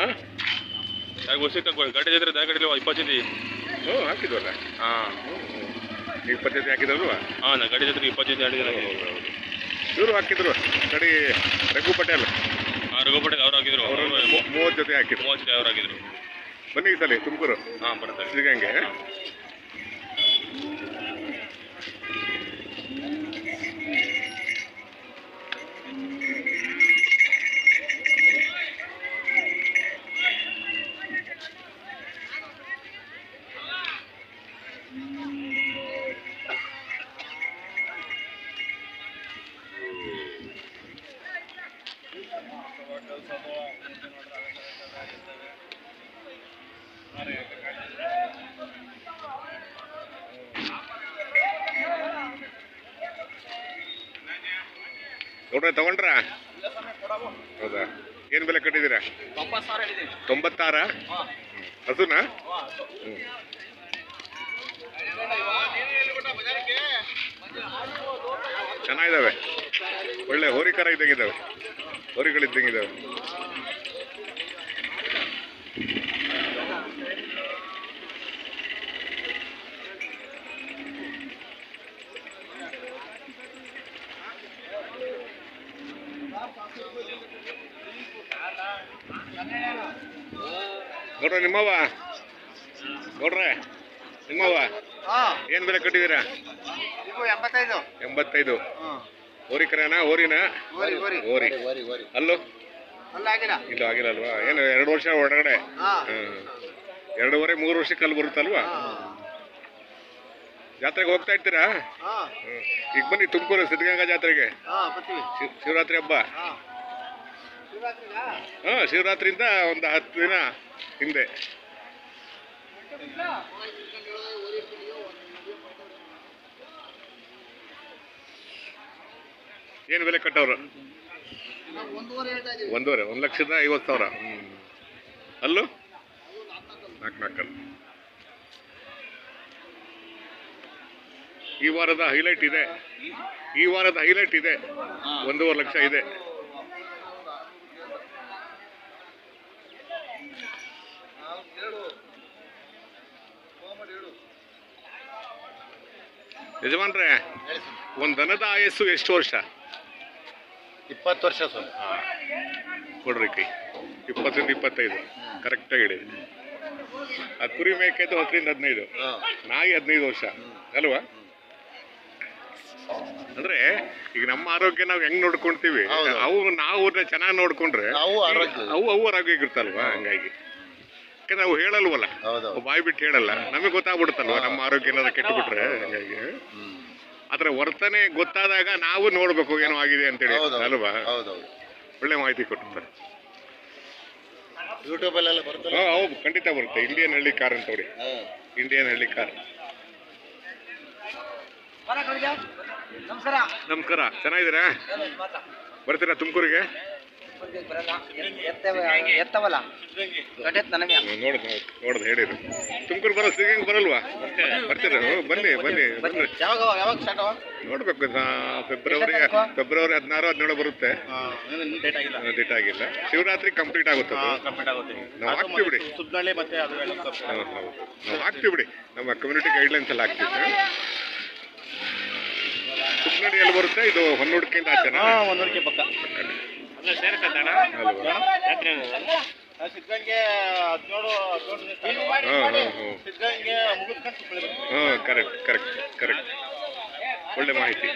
ಯಾಕೆ ವರ್ಷಕ್ಕೆ ಗಾಡಿ ಜೊತೆ ಗಾಡಿ 20 ಜೊತೆ ಹ್ಞೂ ಹಾಕಿದ್ವಲ್ಲ. ಹಾಂ 20 ಜೊತೆ ಹಾಕಿದ್ರಲ್ವಾ? ಹಾಂ ನಾ ಗಾಡಿ ಜೊತೆಗೆ 20 ಜೊತೆ ಆಡಿದ್ರೆ ಇವರು ಹಾಕಿದ್ರು ಕಡೆ ರಘು ಪಟೇಲ್. ಹಾಂ ರಘು ಪಟೇಲ್ ಅವ್ರು ಹಾಕಿದ್ರು. ಅವರು 30 ಜೊತೆ ಹಾಕಿದ್ರು. 30 ಜೊತೆ ಅವ್ರು ಹಾಕಿದ್ರು. ಬನ್ನಿ ಈ ಸಲ ತುಮಕೂರು. ಹಾಂ ಬರ್ತಾರೆ ಶ್ರೀಗಂಗೆ. ನೋಡ್ರಿ ತಗೊಂಡ್ರಾ? ಹೌದಾ? ಏನು ಬೆಲೆ ಕಟ್ಟಿದ್ದೀರಾ? 96. ಹಸುನಾ? ಚೆನ್ನಾಗಿದ್ದಾವೆ, ಒಳ್ಳೆ ಹೋರಿಕರ ಇದ್ದಂಗಿದ್ದಾವೆ, ಹೋರಿಗಳಿದ್ದಂಗಿದ್ದಾವೆ. ನೋಡ್ರಿ ನಿಮ್ಮವ್ವ, ನೋಡ್ರೆ ನಿಮ್ಮವ್ವ ಏನ್ ಬೆಲೆ ಕಟ್ಟಿದ್ದೀರಾ? 85. ಹೋರಿಕರನಾ? ಹೋರಿನಾ? ಹೋರಿ. ಅಲ್ಲೋ ಇಲ್ಲ ಆಗಿಲ್ಲ ಅಲ್ವಾ? ಏನು 2 ವರ್ಷ ಒಳಗಡೆ? 2.5-3 ವರ್ಷಕ್ಕೆ ಅಲ್ಲಿ ಬರುತ್ತಲ್ವಾ? ಜಾತ್ರೆಗೆ ಹೋಗ್ತಾ ಇರ್ತೀರಾ? ಈಗ ಬನ್ನಿ ತುಮಕೂರು ಸಿದ್ಧಗಂಗಾ ಜಾತ್ರೆಗೆ. ಶಿವರಾತ್ರಿ ಹಬ್ಬ. ಹಾಂ ಶಿವರಾತ್ರಿಯಿಂದ ಒಂದು 10 ದಿನ ಹಿಂದೆ. ಏನು ಬೆಲೆ ಕಟ್ಟವ್ರು? 1,50,50,000. ಅಲ್ಲೂ 4 ಈ ವಾರದ ಹೈಲೈಟ್ ಇದೆ. 1.5 ಲಕ್ಷ ಇದೆ. ಯಜಮಾನ್ರೆ, ಒಂದು ದನದ ಆಯಸ್ಸು ಎಷ್ಟು ವರ್ಷ? 20 ವರ್ಷ ಸರ್. ಕೊಡ್ರಿ ಕೈ. 20-25 ಕರೆಕ್ಟಾಗಿ ಹಿಡಿದು. ಆ ಕುರಿ ಮೇಕೆದು 10-15, ನಾಯಿ 15 ವರ್ಷ ಅಲ್ವಾ? ಅಂದ್ರೆ ಈಗ ನಮ್ಮ ಆರೋಗ್ಯ ನಾವು ಹೆಂಗ್ ನೋಡ್ಕೊಂತೀವಿ, ನಾವು ಚೆನ್ನಾಗಿ ನೋಡ್ಕೊಂಡ್ರೆ ಅವು ಆರೋಗ್ಯವಾಗಿರ್ತಲ್ವಾ? ಹಂಗಾಗಿ ಯಾಕಂದ್ರೆ ಅವು ಹೇಳಲ್ವಲ್ಲ, ಬಾಯಿ ಬಿಟ್ಟು ಹೇಳಲ್ಲ, ನಮಗೆ ಗೊತ್ತಾಗ್ಬಿಡುತ್ತಲ್ವ ನಮ್ಮ ಆರೋಗ್ಯ ಏನಾದ್ರು ಕೆಟ್ಟಬಿಟ್ರೆ. ಹಂಗಾಗಿ ಅದ್ರ ವರ್ತನೆ ಗೊತ್ತಾದಾಗ ನಾವು ನೋಡ್ಬೇಕು ಏನೋ ಆಗಿದೆ ಅಂತೇಳಿ ಅಲ್ವಾ? ಒಳ್ಳೆ ಮಾಹಿತಿ ಕೊಡ್ತಾರೆ. ಯೂಟ್ಯೂಬಲ್ಲೆಲ್ಲ ಬರುತ್ತೆ. ಹೌದು ಖಂಡಿತ ಬರುತ್ತೆ. ಇಂಡಿಯನ್ ಹಳ್ಳಿ ಕಾರ್ ಅಂತ ನೋಡಿ, ಇಂಡಿಯನ್ ಹಳ್ಳಿ ಕಾರ್. ನಮಸ್ಕಾರ, ಚೆನ್ನಾಗಿದ್ದೀರಾ? ಬರ್ತೀರಾ ತುಮಕೂರಿಗೆ? ನೋಡ್ದು ಹೇಳಿದ್ರು. ತುಮಕೂರು ಬರೋ ಸಿಗಂಗೆ ಬರಲ್ವಾ? ಬರ್ತೀರ? ಬನ್ನಿ ನೋಡ್ಬೇಕು. ಫೆಬ್ರವರಿ 16-17 ಬರುತ್ತೆ. ಡೇಟ್ ಆಗಿಲ್ಲ. ಶಿವರಾತ್ರಿ ಕಂಪ್ಲೀಟ್ ಆಗುತ್ತೆ. ನಾವು ಹಾಕ್ತೀವಿ ಬಿಡಿ. ನಾವು ಹಾಕ್ತೀವಿ ಬಿಡಿ. ನಮ್ಮ ಕಮ್ಯುನಿಟಿ ಗೈಡ್ಲೈನ್ಸ್ ಎಲ್ಲ ಹಾಕ್ತೀವಿ. ಸುಬ್ನಡಿ ಎಲ್ಲಿ ಬರುತ್ತೆ? ಇದು ಹೊನ್ನೂಡಿಕೆಯಿಂದ ಆಚೆನಾ? ಹೊನ್ನೂಡಿಕೆ ಪಕ್ಕ. ಕರೆಕ್ಟ್. ಒಳ್ಳೆ ಮಾಹಿತಿ.